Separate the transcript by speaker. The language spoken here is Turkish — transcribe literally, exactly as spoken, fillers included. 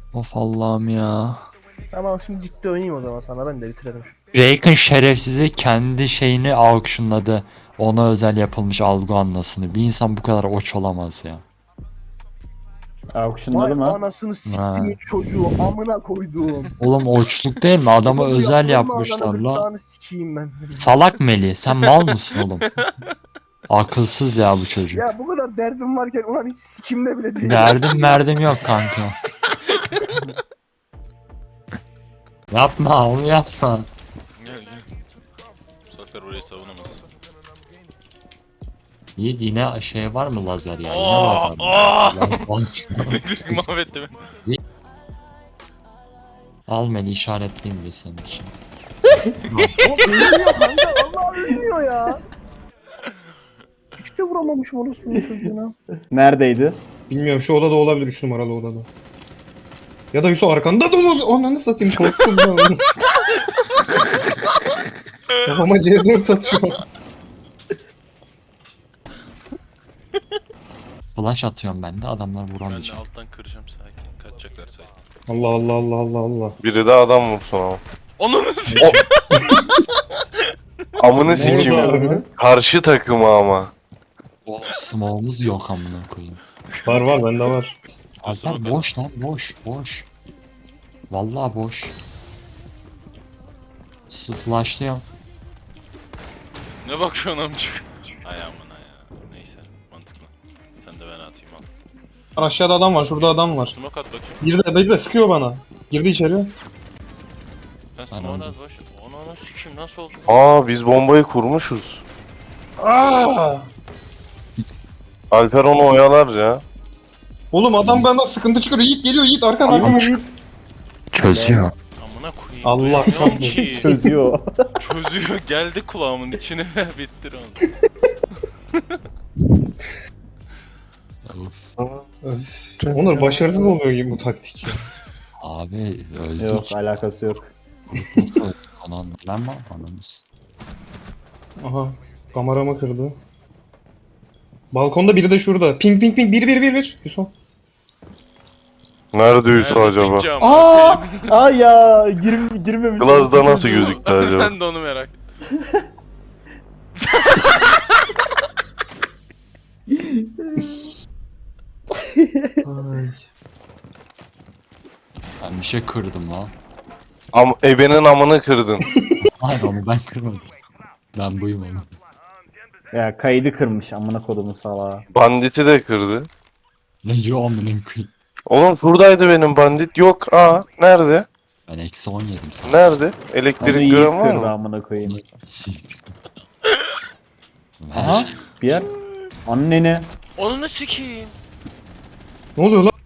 Speaker 1: Of Allah'ım ya.
Speaker 2: Tamam şimdi ciddi oynayayım o zaman sana ben de bitirelim.
Speaker 1: Raken şerefsizi kendi şeyini auctionladı. Ona özel yapılmış algı anlasını. Bir insan bu kadar oç olamaz ya.
Speaker 3: Auctionladı
Speaker 2: Vay
Speaker 3: mı?
Speaker 2: anasını
Speaker 1: Ha.
Speaker 2: siktimin çocuğu amına koyduğum.
Speaker 1: Oğlum oçluk değil mi? Adama
Speaker 2: Bunu
Speaker 1: özel
Speaker 2: yaptırma
Speaker 1: yapmışlar
Speaker 2: adamı,
Speaker 1: la.
Speaker 2: gırtlağını sikeyim ben.
Speaker 1: Salak Meli, sen mal mısın oğlum? Akılsız ya bu çocuk.
Speaker 2: Ya bu kadar derdim varken ulan hiç sikimde bile değil.
Speaker 1: Derdim merdim yok kanka. Yapma onu yapma.
Speaker 4: Gel gel. Saklar orayı savunamaz.
Speaker 1: Yiğit yine şey var mı lazer ya? Yine
Speaker 4: Aa,
Speaker 1: lazer.
Speaker 4: aa!
Speaker 1: Lan,
Speaker 4: Mahvetti beni.
Speaker 1: al Meli işaretleyeyim bir senin için.
Speaker 2: O ölmüyor kanka vallahi ölmüyor ya. Hiç de vuramamışım orospunun çocuğuna.
Speaker 3: Neredeydi?
Speaker 5: Bilmiyorum şu odada olabilir üç numaralı odada. Ya da Yusuf arkanda da olabilir. Ananı satayım korktum ben onu. Kafama C dört atıyor.
Speaker 1: Flash atıyorum ben de adamlar
Speaker 4: Ben de
Speaker 1: vuramayacak.
Speaker 4: alttan kıracağım sakin. Kaçacaklar sakin.
Speaker 5: Allah Allah Allah Allah Allah.
Speaker 6: Biri de adam vursun ama.
Speaker 4: Ananı sikeyim.
Speaker 6: Amını
Speaker 5: Ne oldu
Speaker 6: sikim.
Speaker 5: abi?
Speaker 6: Karşı takımı ama.
Speaker 1: Oğlum smoke'umuz yok amına koyayım.
Speaker 5: Var var bende var.
Speaker 1: Alper boş lan boş boş. Vallahi boş. S flashlıyorum.
Speaker 4: Ne bakıyorsun amcık? Ay amına ya. Neyse mantıklı. Sen de ben atayım al.
Speaker 5: Aşağıda adam var şurada adam var.
Speaker 4: Smoke at bakayım.
Speaker 5: Bir de, bir de sıkıyor bana. Girdi içeri.
Speaker 4: Sen
Speaker 1: Ben
Speaker 4: smoke
Speaker 1: aldım.
Speaker 4: at baş. Onu sikeyim nasıl oldu?
Speaker 6: Aa biz bombayı kurmuşuz.
Speaker 5: Aa!
Speaker 6: Alper onu oyalar ya.
Speaker 5: Oğlum adam benden sıkıntı çıkarıyor. Yiğit geliyor Yiğit arkan arkan.
Speaker 1: Çözüyor.
Speaker 4: Amına koyayım.
Speaker 5: Allah
Speaker 4: Duymuyorum
Speaker 5: kahretsin.
Speaker 4: ki.
Speaker 3: Çözüyor.
Speaker 4: Çözüyor geldi kulağımın içine ve bittir onu.
Speaker 1: Of.
Speaker 5: Öf. Onur başarısız oluyor gibi bu taktik.
Speaker 1: Abi öldük.
Speaker 3: Yok alakası yok.
Speaker 1: Nasıl öldük onu anlamam mı? Anamız.
Speaker 5: Aha. Kameramı kırdı. Balkonda biri de şurada. Ping ping ping bir bir bir bir. Yusuf.
Speaker 6: Nerede Yusuf
Speaker 4: Nerede
Speaker 6: acaba?
Speaker 4: sikeceğim
Speaker 3: Aa!
Speaker 4: bakayım?
Speaker 3: Aa ya girm girmemiş.
Speaker 6: Glazda nasıl gözüktü acaba?
Speaker 4: Ben de onu merak ettim.
Speaker 5: Ay.
Speaker 1: Ben bir şey kırdım lan.
Speaker 6: Am ebenin amını kırdın.
Speaker 1: Hayır onu ben kırmadım. Ben buyum oğlum.
Speaker 3: Ya kaydı kırmış amına kodumun salağı.
Speaker 6: Banditi de kırdı.
Speaker 1: Ne diyor amına koyayım.
Speaker 6: Oğlum şuradaydı benim bandit. Yok. Aa nerede?
Speaker 1: Ben eksi on yedim sana.
Speaker 6: Nerede?
Speaker 3: Onu
Speaker 6: Elektrik
Speaker 3: iyi
Speaker 6: gören var
Speaker 3: kırdı
Speaker 6: mı?
Speaker 3: amına koyayım.
Speaker 1: Her
Speaker 3: Aha
Speaker 1: şey.
Speaker 3: bir yer. Anneni.
Speaker 4: Onu sikeyim.
Speaker 5: Ne oluyor lan?